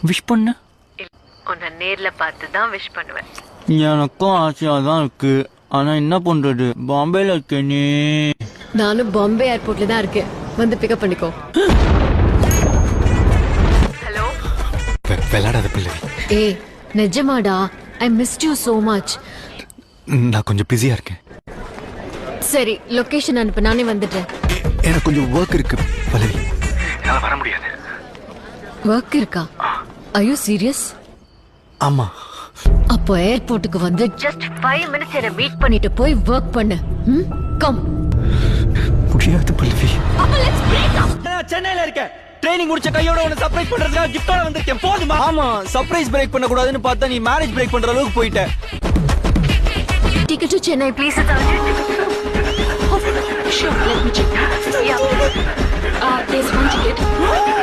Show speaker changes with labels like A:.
A: Wish பண்ண
B: உன்னை நேர்ல பார்த்து தான் விஷ் பண்ணுவேன்.
A: எனக்கும் ஆசையா தான் இருக்கு. ஆனா என்ன பண்றது, பாம்பேல இருக்கேனே.
C: நானும் பாம்பே ஏர்போர்ட்ல தான் இருக்கேன். வந்து பிக்கப் பண்ணிக்கோ.
B: ஹலோ.
D: விளையாடாத பிள்ளை.
C: ஏய் நிஜமாடா, I missed you so much.
D: நான் கொஞ்சம் பிஸியா இருக்கேன்.
C: சரி லொகேஷன் அனுப்பு, நானே வந்துடுறேன்.
D: எனக்கு கொஞ்சம் ஒர்க் இருக்கு பல்லவி, என்னால வர முடியாது.
C: ஒர்க் இருக்கா? Are you serious?
D: ஆமா.
C: அப்போ ஏர்போர்ட்டுக்கு வந்து just 5 minutes என்ன மீட் பண்ணிட்டு போய் ஒர்க் பண்ணு. கம்.
D: முடியாது பல்லவி.
C: அப்ப லெட்ஸ் பிரேக் அப்.
A: நான் சென்னையில இருக்கேன். ட்ரைனிங் முடிச்ச கையோட உன்னை சர்ப்ரைஸ் பண்றதுக்காக கிஃப்டோட வந்திருக்கேன். போதுமா? ஆமா, சர்ப்ரைஸ் பிரேக் பண்ண கூடாதுன்னு பார்த்தா நீ மேரேஜ் பிரேக் பண்ற அளவுக்கு போயிட்ட.
C: Ticket to Chennai, please. Sure, let me check. Yeah. There's one ticket.